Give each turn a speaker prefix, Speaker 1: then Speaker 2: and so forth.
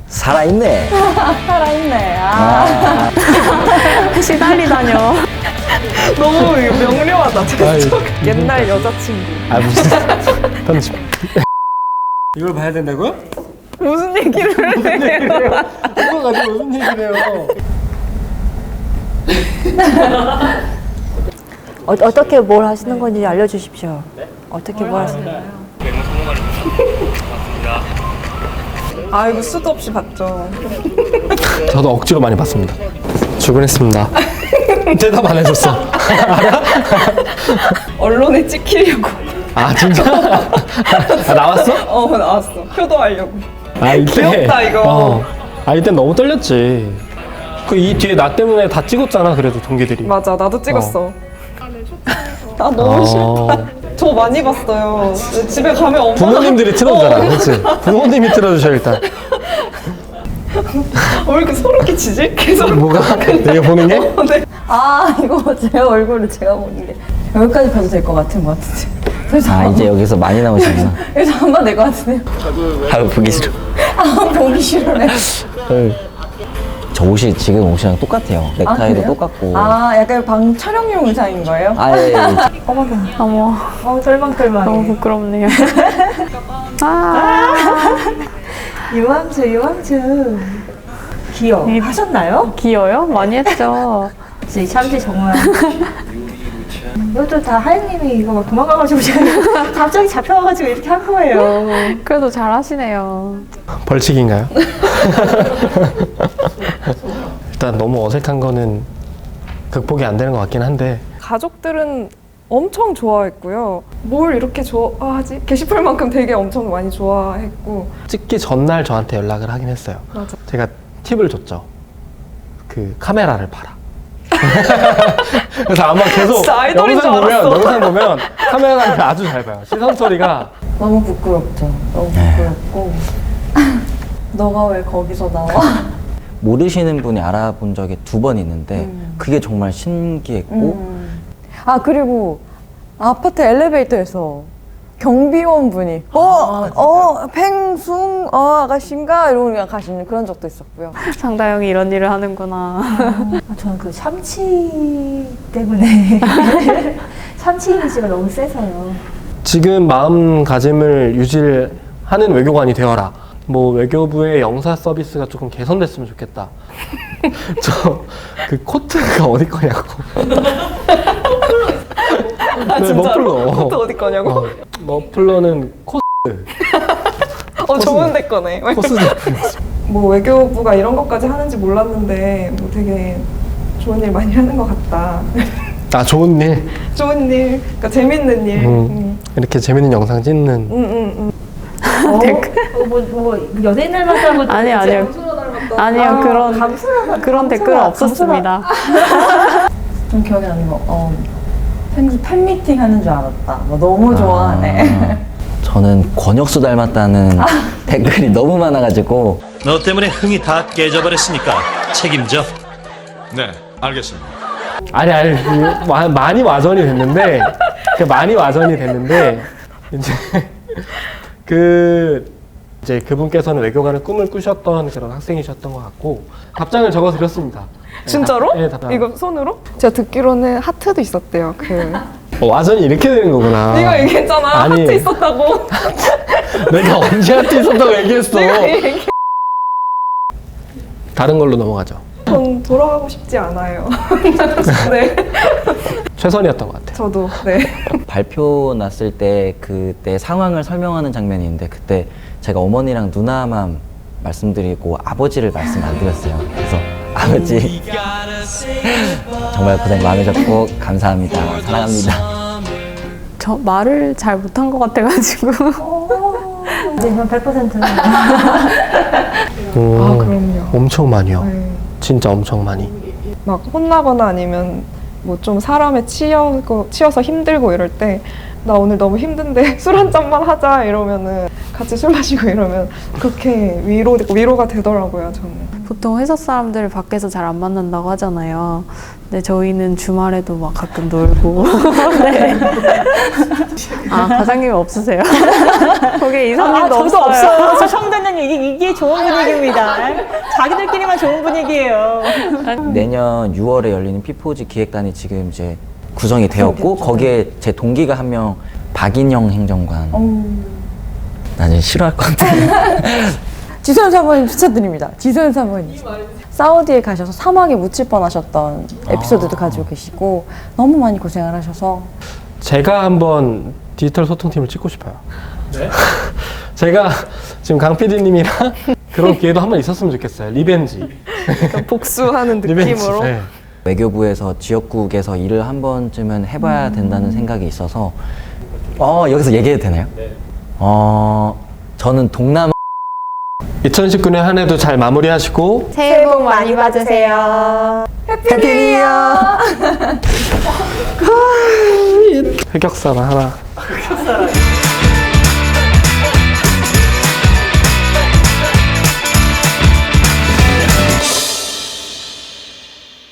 Speaker 1: 살아있네.
Speaker 2: 살아있네.
Speaker 3: 시달리다뇨.
Speaker 2: 너무 명료하다.
Speaker 4: 아이고.
Speaker 2: 옛날 여자친구.
Speaker 4: 아 무슨 편집. 이걸 봐야 된다고요?
Speaker 2: 무슨 얘기를 해요?
Speaker 4: 이거 가지고 무슨 얘기를 해요?
Speaker 3: 어떻게 뭘 하시는 건지 알려주십시오. 어떻게 뭘 하시는?
Speaker 2: 아이고 수도 없이 봤죠.
Speaker 4: 저도 억지로 많이 봤습니다. 출근했습니다. 대답 안 해줬어.
Speaker 2: 언론에 찍히려고.
Speaker 4: 아 진짜? 아, 나왔어?
Speaker 2: 나왔어. 효도하려고.
Speaker 4: 아 이때.
Speaker 2: 귀엽다, 이거.
Speaker 4: 아 이때 너무 떨렸지. 그 이 뒤에 나 때문에 다 찍었잖아. 그래도 동기들이.
Speaker 2: 맞아, 나도 찍었어. 아 너무 싫다. 저 많이 봤어요. 집에 가면 엄마
Speaker 4: 부모님들이 틀어주잖아. 그렇지? 부모님이 틀어주셔 일단.
Speaker 2: 왜 이렇게 소름 끼치지? 계속.
Speaker 4: 뭐가? 내가 보는 게?
Speaker 2: 네.
Speaker 3: 이거 제 얼굴을 제가 보는 게 여기까지 봐도 될 것 같은 것 같은데. 그래서
Speaker 1: 아, 이제 여기서 많이 나오시구나.
Speaker 3: 그래서 한번 될 것 같은데요.
Speaker 1: 아유, 보기 싫어.
Speaker 3: 보기 싫으네.
Speaker 1: 저 옷이 지금 옷이랑 똑같아요. 넥타이도
Speaker 3: 그래요?
Speaker 1: 똑같고.
Speaker 3: 약간 방 촬영용 의상인 거예요?
Speaker 1: 예.
Speaker 3: 어머, 털망털망.
Speaker 5: 너무 부끄럽네요.
Speaker 3: 유황주. 귀여워. 하셨나요?
Speaker 5: 귀여요? 많이 했죠.
Speaker 3: 참치 정말. 이것도 다 하연님이 이거 막 도망가가지고 제가 갑자기 잡혀와가지고 이렇게 한 거예요.
Speaker 5: 그래도 잘 하시네요.
Speaker 4: 벌칙인가요? 일단 너무 어색한 거는 극복이 안 되는 것 같긴 한데
Speaker 2: 가족들은 엄청 좋아했고요. 뭘 이렇게 좋아하지? 게시물만큼 되게 엄청 많이 좋아했고.
Speaker 4: 찍기 전날 저한테 연락을 하긴 했어요.
Speaker 2: 맞아.
Speaker 4: 제가 팁을 줬죠. 그 카메라를 봐라. 그래서 아마 계속
Speaker 2: 진짜 아이돌인 줄 알았어.
Speaker 4: 영상 보면 카메라를 아주 잘 봐요. 시선 소리가
Speaker 3: 너무 부끄럽죠. 너무 부끄럽고. 너가 왜 거기서 나와?
Speaker 1: 모르시는 분이 알아본 적이 2번 있는데 그게 정말 신기했고
Speaker 3: 그리고 아파트 엘리베이터에서 경비원 분이 팽숭 아가씨인가 이러고 그냥 가시는 그런 적도 있었고요.
Speaker 5: 장다영이 이런 일을 하는구나.
Speaker 3: 저는 그 참치 때문에 참치 이미지가 너무 세서요.
Speaker 4: 지금 마음가짐을 유지하는 외교관이 되어라. 뭐 외교부의 영사 서비스가 조금 개선됐으면 좋겠다. 저 그 코트가 어디 거냐고. 네, 머플러.
Speaker 2: 코트 어디 거냐고?
Speaker 4: 머플러는
Speaker 2: 좋은데 거네.
Speaker 4: 코스 제품이었어.
Speaker 2: 뭐 외교부가 이런 것까지 하는지 몰랐는데 뭐 되게 좋은 일 많이 하는 것 같다.
Speaker 4: 아 좋은 일.
Speaker 2: 좋은 일, 그러니까 재밌는 일.
Speaker 4: 이렇게 재밌는 영상 찍는.
Speaker 3: 뭐 연예인 닮았다 뭐
Speaker 5: 아니요. 그런 댓글은 없었습니다.
Speaker 3: 좀 기억에 나는 거 팬미팅 하는 줄 알았다. 너무 좋아하네.
Speaker 1: 저는 권혁수 닮았다는 댓글이 너무 많아가지고
Speaker 6: 너 때문에 흥이 다 깨져버렸으니까 책임져.
Speaker 7: 네, 알겠습니다.
Speaker 4: 아니 많이 와전이 됐는데 이제 그분께서는 외교관의 꿈을 꾸셨던 그런 학생이셨던 것 같고 답장을 적어 드렸습니다.
Speaker 2: 진짜로?
Speaker 4: 네, 답장.
Speaker 2: 이거 손으로? 제가 듣기로는 하트도 있었대요.
Speaker 4: 와전이 이렇게 되는 거구나.
Speaker 2: 네가 얘기했잖아.
Speaker 4: 아니.
Speaker 2: 하트 있었다고.
Speaker 4: 내가 언제 하트 있었다고 얘기했어. 다른 걸로 넘어가죠.
Speaker 2: 전 돌아가고 싶지 않아요. 네.
Speaker 4: 최선이었던 것 같아요.
Speaker 2: 저도. 네.
Speaker 1: 발표 났을 때 그때 상황을 설명하는 장면이 있는데 그때 제가 어머니랑 누나만 말씀드리고 아버지를 말씀 안 드렸어요. 그래서 아버지 정말 고생 많으셨고 감사합니다. 사랑합니다.
Speaker 5: 저 말을 잘 못한 것 같아가지고.
Speaker 3: 이제 이건 100%는
Speaker 2: 그럼요.
Speaker 4: 엄청 많이요.
Speaker 2: 네.
Speaker 4: 진짜 엄청 많이.
Speaker 2: 막 혼나거나 아니면 뭐 좀 사람에 치여서 힘들고 이럴 때 나 오늘 너무 힘든데 술 한 잔만 하자 이러면은 같이 술 마시고 이러면 그렇게 위로가 되더라고요, 저는.
Speaker 5: 보통 회사 사람들을 밖에서 잘 안 만난다고 하잖아요. 근데 저희는 주말에도 막 가끔 놀고. 네. 아, 과장님이 없으세요? 거기 이사님도
Speaker 8: 저도
Speaker 5: 없어요.
Speaker 8: 없어요. 저 처음 듣는 이게 좋은 분위기입니다. 자기들끼리만 좋은 분위기예요.
Speaker 1: 내년 6월에 열리는 피포지 기획단이 지금 이제 구성이 되었고 거기에 제 동기가 한 명 박인영 행정관. 나는 싫어할 것 같아.
Speaker 3: 지소연 사모님 추천드립니다. 지소연 사모님. 사우디에 가셔서 사막에 묻힐 뻔하셨던 에피소드도 가지고 계시고 너무 많이 고생을 하셔서
Speaker 4: 제가 한번 디지털 소통팀을 찍고 싶어요. 네? 제가 지금 강 PD님이랑 그런 기회도 한번 있었으면 좋겠어요. 리벤지.
Speaker 2: 복수하는
Speaker 4: 리벤지.
Speaker 2: 느낌으로.
Speaker 4: 네.
Speaker 1: 외교부에서 지역국에서 일을 한 번쯤은 해봐야 된다는 생각이 있어서 여기서 얘기해도 되나요? 네. 저는 동남아
Speaker 4: 2019년 한 해도 잘 마무리하시고
Speaker 8: 새해 복 많이 받으세요.
Speaker 4: 흑역사나 하나.